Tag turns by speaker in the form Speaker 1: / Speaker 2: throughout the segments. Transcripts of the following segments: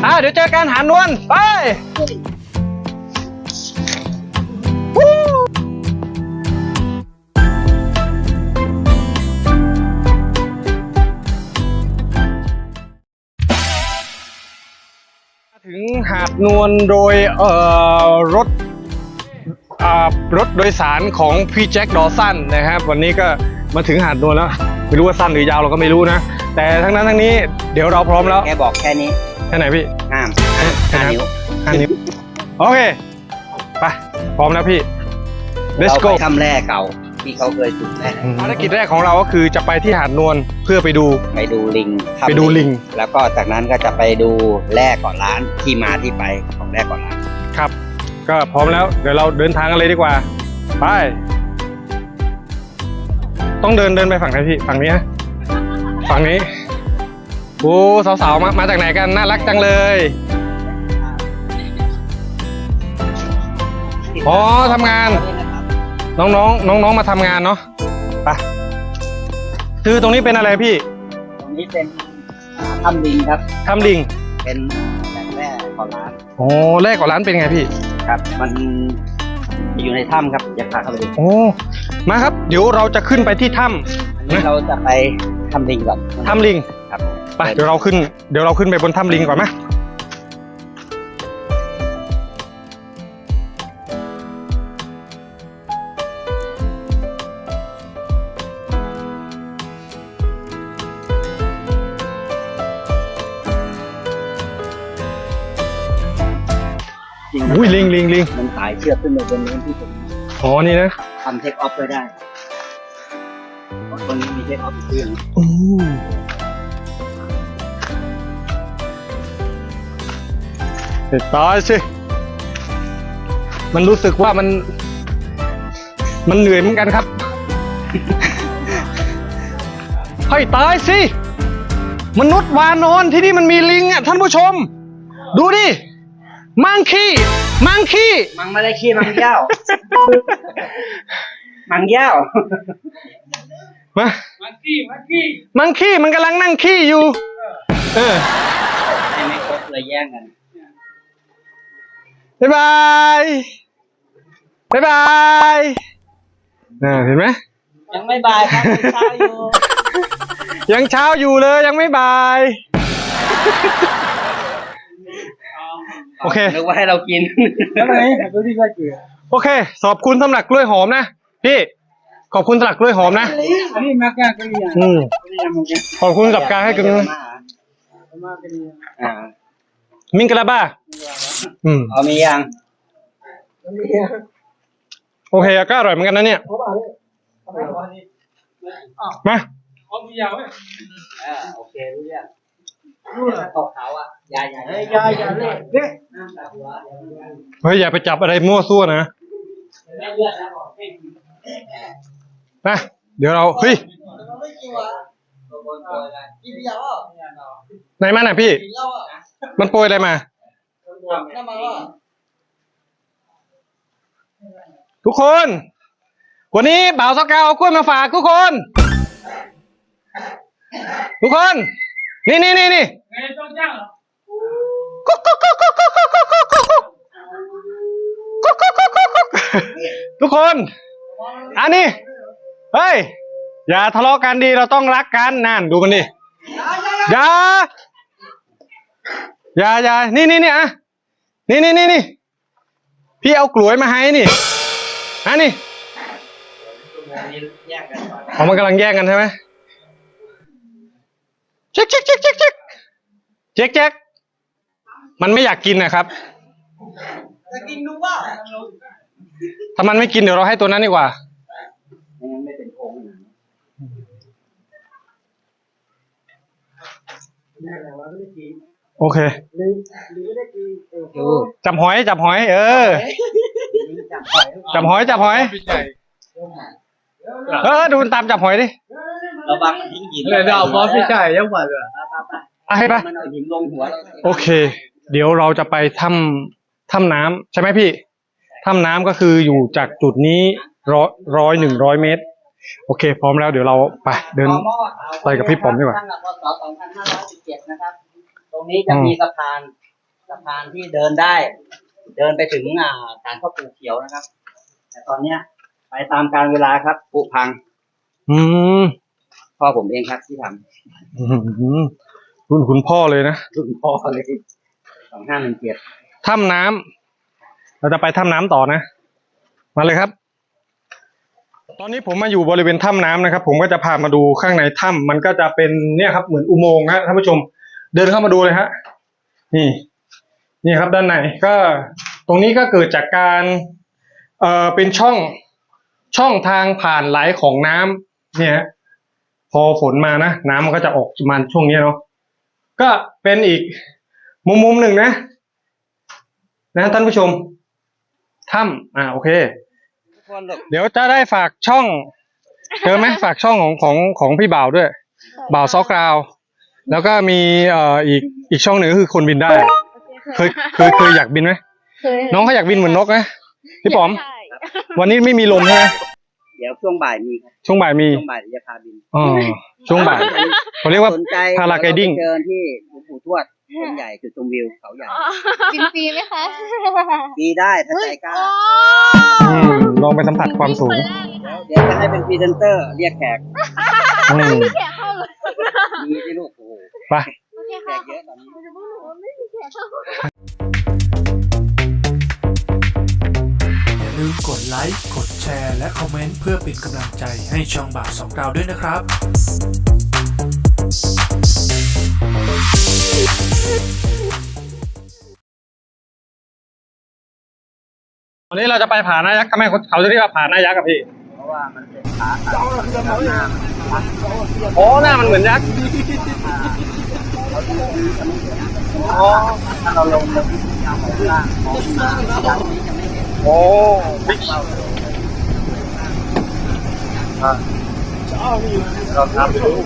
Speaker 1: เดี๋ยวเจอกันหาดนวลไปถึงหาดนวลโดยรถโดยสารของพี่แจ็คดอสันนะครับวันนี้ก็มาถึงหาดนวลแล้วไม่รู้ว่าสั้นหรือยาวเราก็ไม่รู้นะแต่ทั้งนั้นทั้งนี้เดี๋ยวเราพร้อมแล้ว
Speaker 2: แกบอกแค่นี้
Speaker 1: แค่ไหนพี่
Speaker 2: 5 นิ้ว
Speaker 1: โอเคไปพร้อมแล้วพี่ Let's go
Speaker 2: เราไปถ้ำแร่เก่าที่เขาเคยจุดแร่
Speaker 1: ภารกิจแรกของเราก็คือจะไปที่หาดนวลเพื่อไปดู
Speaker 2: ลิงแล้วก็จากนั้นก็จะไปดูแร่เกาะล้านที่มาที่ไปของแร่เกาะล้าน
Speaker 1: ครับก็พร้อมแล้วเดี๋ยวเราเดินทางกันเลยดีกว่าไปต้องเดินไปฝั่งไหนพี่ฝั่งนี้นะฝั่งนี้โอ้สาวๆมาจากไหนกันน่ารักจังเลยอ๋อทำงานน้องมาทำงานเนาะไปคือตรงนี้เป็นอะไรพี่
Speaker 2: ตรงนี้เป็นถ้ำลิงครับ
Speaker 1: ถ้ำลิง
Speaker 2: เป็นแร่เกาะล้าน
Speaker 1: โอ้แร่เกาะล้านเป็นไงพี่
Speaker 2: ครับมันอยู่ในถ้ำครับอยากพาเข้าไปดู
Speaker 1: โอ้มาครับเดี๋ยวเราจะขึ้นไปที่ถ้ำ
Speaker 2: นะเราจะไปถ้ำลิงก่อน
Speaker 1: ถ้ำลิง
Speaker 2: ครับ
Speaker 1: ไปเดี๋ยวเราขึ้นไปบนถ้ำลิงก่อนไหมอุ้ยลิง
Speaker 2: มันสายเชือกขึ้นมาบนนี้ที่ผม
Speaker 1: อ๋อนี่นะ
Speaker 2: ทำเทคออฟไว้ได้เพราะตรงนี้มีเทคออฟเครื่อง
Speaker 1: ตายสิมันรู้สึกว่ามันเหนื่อยเหมือนกันครับให้ตายสิมนุษย์วานอนที่นี่มันมีลิงอ่ะท่านผู้ชมดูดิมังคีมัง
Speaker 2: ไม่ได้ขี้มังเย้ามังเย้า
Speaker 1: มังคีมันกำลังนั่งขี้อยู่
Speaker 2: ไม่ครบเลยแย่งกัน
Speaker 1: บ๊ายบายเห็นไหม
Speaker 2: ยังไม่บายครับเช้าอยู่
Speaker 1: ยังเช้าอยู่เลยยังไม่บายโอเค
Speaker 2: นึกว่าให้เรากิน
Speaker 1: แล้วไงโอเคขอบคุณสำหรับกล้วยหอมนะพี่ขอบคุณสำหรับกล้วยหอมนะขอบคุณกับการให้กันมิงกะลาบ้า
Speaker 2: มียัง
Speaker 1: โอเคก็อร่อยเหมือนกันนะเนี่ยมา
Speaker 2: โอเครู้เรื่องตกเขาอ่ะอย่าเล่น
Speaker 1: เฮ้ยอย่าไปจับอะไรมั่วซั่วนะเดี๋ยวเราเฮ้ยไหนมาไหนพี่มันโปรยอะไรมาทุกคนวันนี้บ่าวสกาวเอากล้วยมาฝากทุกคนนี่ทุกคนอันนี้เฮ้ยอย่าทะเลาะกันดีเราต้องรักกันนั่นดูมันดิอย่านี่อ่ะนี่พี่เอากล้วยมาให้นี่นี่มันกำลังแย่งกันใช่ไหมเจ๊กมันไม่อยากกินนะครับ
Speaker 2: จะกินดูว่า
Speaker 1: ถ้ามันไม่กินเดี๋ยวเราให้ตัวนั้นดีกว่า
Speaker 2: ไม่เป็นโค้ง
Speaker 1: โอเคจับหอยจับหอยดูมันตามจับหอยดิ
Speaker 2: ระวังมันทิ้งหิน
Speaker 1: เดี๋ยวพอพี่ชายยังหวานเลยให้ปะโอเคเดี๋ยวเราจะไปถ้ำน้ำใช่ไหมพี่ถ้ำน้ำก็คืออยู่จากจุดนี้100 เมตรโอเคพร้อมแล้วเดี๋ยวเราไปเดินไปกับพี่ป๋อมดีกว่า
Speaker 2: ตั้งแต่พ.ศ. 2517นะครับตรงนี้จะมีสะพานสะพานที่เดินได้ เดินไปถึงศาลพ่อปู่เขียวนะครับ แต่ตอนเนี้ยไปตามกาลเวลาครับผุพัง
Speaker 1: อืม
Speaker 2: พ่อผมเองครับที่ท
Speaker 1: รุ่นคุณพ่อเลยนะ
Speaker 2: ำรุ่นพ่อเลย2517
Speaker 1: ถ้ำน้ำเราจะไปถ้ำน้ำต่อนะ มาเลยครับ ตอนนี้ผมมาอยู่บริเวณถ้ำน้ำนะครับ ผมก็จะพามาดูข้างในถ้ำมันก็จะเป็นเนี่ยครับเหมือนอุโมงค์ฮะท่านผู้ชม เดินเข้ามาดูเลยฮะนี่ครับด้านในก็ตรงนี้ก็เกิดจากการเป็นช่องทางผ่านไหลของน้ำเนี่ยฮะพอฝนมานะน้ำมันก็จะออกมาช่วงนี้เนาะก็เป็นอีกมุมหนึ่งนะท่านผู้ชมถ้ำโอเคเดี๋ยวจะได้ฝากช่องเจอไหมฝากช่องของพี่บ่าวด้วยบ่าวซอกราวแล้วก็มีอีกช่องหนึ่งก็คือคนบินได้เคยอยากบินไหมน้องเขาอยากบินเหมือนนกนะพี่ป๋อมวันนี้ไม่มีลมใช่ไหม
Speaker 2: เดี๋ยวช่วงบ่ายมีครับ
Speaker 1: ช่วงบ่ายมี
Speaker 2: ช่วงบ่ายจะพาบิน
Speaker 1: ช่วงบ่ายเขาเรียกว่า
Speaker 2: สนใจ
Speaker 1: พาราไกดิ้ง
Speaker 2: เจอที่หลวงปู่ทวดต้นใหญ่จุดชมวิวเขาใหญ่
Speaker 3: บินฟรีไหมคะ
Speaker 2: มีได้ถ้าใจกล้า
Speaker 1: ลองไปสัมผัสความสูง
Speaker 2: เดี๋ยวจะให้เป็นพรีเซนเตอร์เรียกแขก
Speaker 3: แขกเข้าเลย
Speaker 2: มีที่ลูกโอ้โห
Speaker 1: ไป
Speaker 3: โอเค
Speaker 2: แข
Speaker 3: ค่ะ
Speaker 2: กเยอะตอนนี้
Speaker 3: ไม่มีแขกเข้า
Speaker 4: อย่าลืมกดไลค์ กดแชร์ และคอมเมนต์เพื่อเป็นกำลังใจให้ช่องบ่าวสองดาวด้วยนะครับ
Speaker 1: วันนี้เราจะไปผาหน้ายักษ์ทำไมเขาจะเรียกว่าผาหน้ายักษ์กับพี่
Speaker 2: เพราะว่ามันเป็นขาตัดหน้า
Speaker 1: โอ้หน้ามันเหมือนยักษ์อ๋อ
Speaker 2: ถ้าเราลงไปที่ยาวของล่างของด้านนี้จะไม่เห็น
Speaker 1: โอ้บิ๊ก
Speaker 2: เราทำดู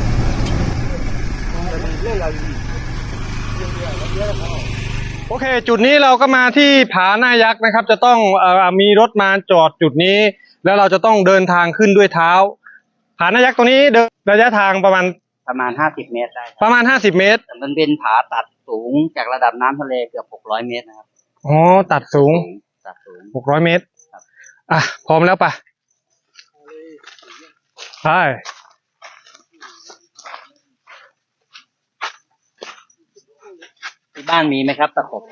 Speaker 1: โอเค จุดนี้เราก็มาที่ผาหน้ายักษ์นะครับ จะต้องมีรถมาจอดจุดนี้ แล้วเราจะต้องเดินทางขึ้นด้วยเท้า ผาหน้ายักษ์ตรงนี้เดินระยะทางประมาณ
Speaker 2: 50 เมตรได้ครับ
Speaker 1: ประมาณ50 เมตร
Speaker 2: แต่มันเป็นผาตัดสูงจากระดับน้ำทะเลเกือบ600 เมตรนะครับ
Speaker 1: อ๋อตัดสูง
Speaker 2: ตัดสูง
Speaker 1: 600 เมตรพร้อมแล้วปะใช่
Speaker 2: ที่บ้านมีไหมครับตะขบ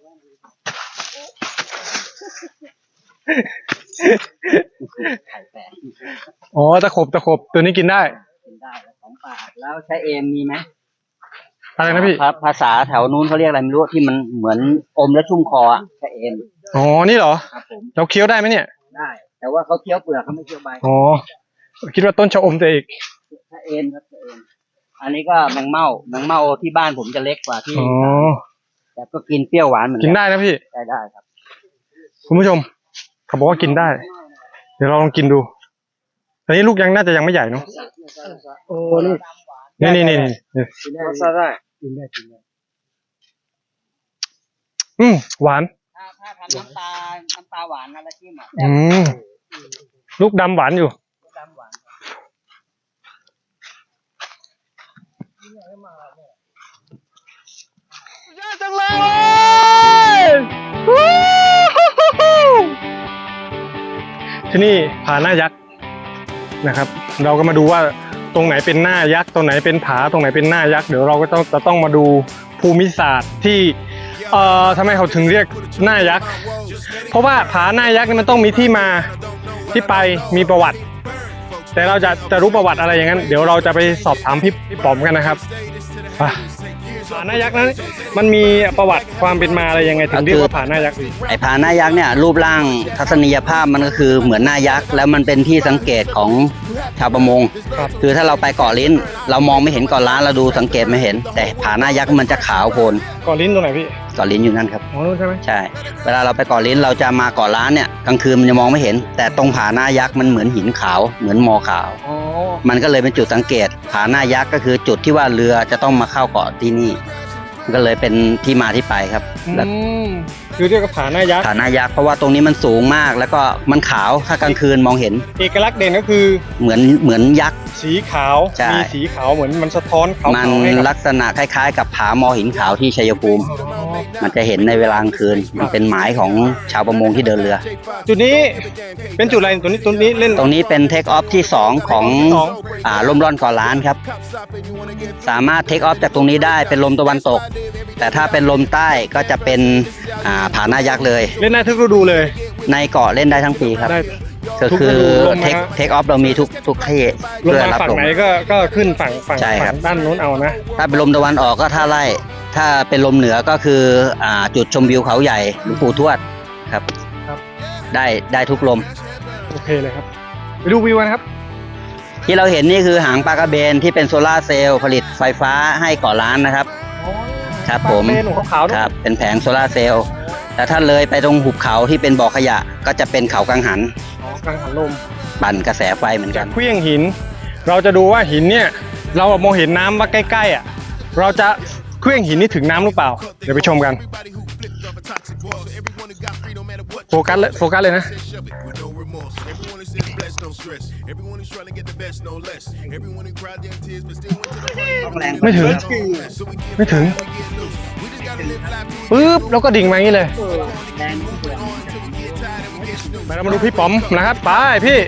Speaker 2: ไข่แตก
Speaker 1: อ๋อตะขบตัวนี้กินได้
Speaker 2: กินได้ของป่าแล้วใช้เอมมีไหม
Speaker 1: อะไรนะพี่
Speaker 2: ครับภาษาแถวนู้นเขาเรียกอะไรไม่รู้ที่มันเหมือนอมและชุ่มคออ่ะใช้เอม
Speaker 1: อ๋อนี่เหรอ
Speaker 2: ครับผม
Speaker 1: เราเคี้ยวได้ไหมเนี่ย
Speaker 2: ได้ แต่ว่าเขาเคี้ยวเปลือกเขาไม่เคี้ยวใบ
Speaker 1: อ๋อคิดว่าต้นชะอมจะอีก
Speaker 2: ใช้เอมครับใช้เอมอันนี้ก็แมงเม่าที่บ้านผมจะเล็กกว่าที่
Speaker 1: อ๋อ
Speaker 2: แต่ก็กินเปรี้ยวหวานเหมือน
Speaker 1: กินได้นะพี่
Speaker 2: ได้ครับ
Speaker 1: คุณผู้ชมเขาบอกว่ากินได้ เดี๋ยวเราลองกินดูอันนี้ลูกน่าจะยังไม่ใหญ่เนาะ
Speaker 2: โอ้นี่
Speaker 1: นี่
Speaker 2: กินได้กินได้
Speaker 1: หวาน
Speaker 2: ถ้าทำน้ำตาหวานนะแล้วจิ้มอ่ะ
Speaker 1: ลูกดำหวานอยู่
Speaker 2: ดำหวาน
Speaker 1: ยอดจังเลยที่นี่ผาหน้ายักษ์นะครับ เราก็มาดูว่าตรงไหนเป็นหน้ายักษ์ตรงไหนเป็นผาตรงไหนเป็นหน้ายักษ์เดี๋ยวเราก็จะต้องมาดูภูมิศาสตร์ที่ทำไมเขาถึงเรียกหน้ายักษ์เพราะว่าผาหน้ายักษ์นี่มันต้องมีที่มาที่ไปมีประวัติ แต่เราจะรู้ประวัติอะไรอย่างนั้นเดี๋ยวเราจะไปสอบถามพี่ป๋อมกันนะครับผาหน้ายักษ์นั้นมันมีประวัติความเป็นมาอะไรยังไงถึงเรียกว่าผาหน้ายักษ์
Speaker 2: ไอ้ผาหน้ายักษ์เนี่ยรูปร่างทัศนียภาพมันก็คือเหมือนหน้ายักษ์แล้วมันเป็นที่สังเกตของชาวประมง
Speaker 1: ครับ
Speaker 2: คือถ้าเราไปเกาะลิ้น เรามองไม่เห็นเกาะล้านเราดูสังเกตไม่เห็น แต่ผาหน้ายักษ์มันจะขาวโพลน
Speaker 1: ก่อนลิ้นตรงไหนพี่
Speaker 2: เกาะลิ้นอยู่นั่นครับ
Speaker 1: อ๋อนู่นใช่ไหม
Speaker 2: ใช่ เวลาเราไปเกาะลิ้นเราจะมาเกาะล้านเนี่ยกลางคืนมันจะมองไม่เห็น แต่ตรงผาหน้ายักษ์มันเหมือนหินขาวเหมือนมอขาว
Speaker 1: อ๋อ
Speaker 2: มันก็เลยเป็นจุดสังเกตผาหน้ายักษ์ก็คือจุดที่ว่าเรือจะต้องมาเข้าเกาะที่นี่มันก็เลยเป็นที่มาที่ไปครับแล้ว
Speaker 1: คือเรียกว่าผาหน้ายักษ์
Speaker 2: ผาหน้ายักษ์เพราะว่าตรงนี้มันสูงมากแล้วก็มันขาวถ้ากลางคืนมองเห็น
Speaker 1: เอกลักษณ์เด่นก็คือ
Speaker 2: เหมือนยักษ์
Speaker 1: สีขาว
Speaker 2: ใช่
Speaker 1: มีสีขาวเหมือนมันสะท้อนขาว
Speaker 2: มัน
Speaker 1: ๆให้กับ
Speaker 2: ลักษณะคล้ายๆ กับผามอหินขาวที่ชัยภูมิ
Speaker 1: อ๋อ
Speaker 2: มันจะเห็นในเวลากลางคืน มันเป็นหมายของชาวประมงที่เดินเรือ
Speaker 1: จุดนี้เป็นจุดอะไรตัวนี้เล่น
Speaker 2: ตรงนี้เป็นเทคออฟที่ 2 ของ
Speaker 1: สอง
Speaker 2: ลมร่อนเก่อล้านครับ สามารถเทคออฟจากตรงนี้ได้เป็นลมตะวันตก แต่ถ้าเป็นลมใต้ก็จะเป็นผาหน้ายักษ์เลย
Speaker 1: เล่นได้ทุกฤดูเลย
Speaker 2: ในเกาะเล่นได้ทั้งปีครับ
Speaker 1: ได้
Speaker 2: ก็คือ
Speaker 1: ลมมา
Speaker 2: เทคออฟเรามีทุกที่
Speaker 1: ลง
Speaker 2: เพื่อ
Speaker 1: มา
Speaker 2: รับ
Speaker 1: ฝั่ง
Speaker 2: ลม
Speaker 1: ไหนก็ขึ้นฝั่ง
Speaker 2: ใช่ครับ
Speaker 1: ด้านนู้นเอานะ
Speaker 2: ถ้าเป็นลมตะวันออกก็ท่าไร่ ถ้าเป็นลมเหนือก็คือจุดชมวิวเขาใหญ่หลวงปู่ทวดครับ
Speaker 1: ครับ
Speaker 2: ได้ทุกลม
Speaker 1: โอเคเลยครับไปดูวิวกันครับ
Speaker 2: ที่เราเห็นนี่คือหางปลากระเบนที่เป็นโซลาร์เซลล์ผลิตไฟฟ้าให้เกาะล้านนะครับ ครับผม
Speaker 1: เมนูขาวๆ
Speaker 2: ครับเป็นแผงโซลาร์เซลล์แต่ถ้าเลยไปตรงหุบเขาที่เป็นบ่อขยะก็จะเป็นเขากังหัน
Speaker 1: กลางหันลม
Speaker 2: ปั่นกระแสไฟเหมือนกั
Speaker 1: จาน กเครื่องหิน เราจะดูว่าหินเนี่ยเรามองเห็นน้ำว่าใกล้ๆอ่ะเราจะเครื่องหินนี่ถึงน้ำหรือเปล่า เดี๋ยวไปชมกันโฟกัสเลยนะ ไม่ถึงปึ๊บแล้วก็ดิ่งมาอย่างนี้เลยไปเรามาดูพี่ป๋อมนะครับไปพี่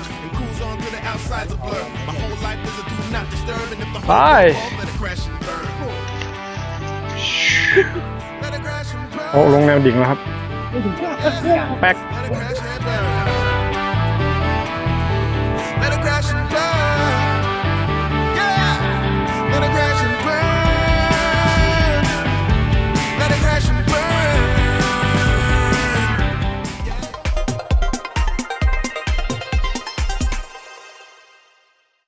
Speaker 1: ไปโอ้ลงแนวดิ่งแล้วครับแป๊ก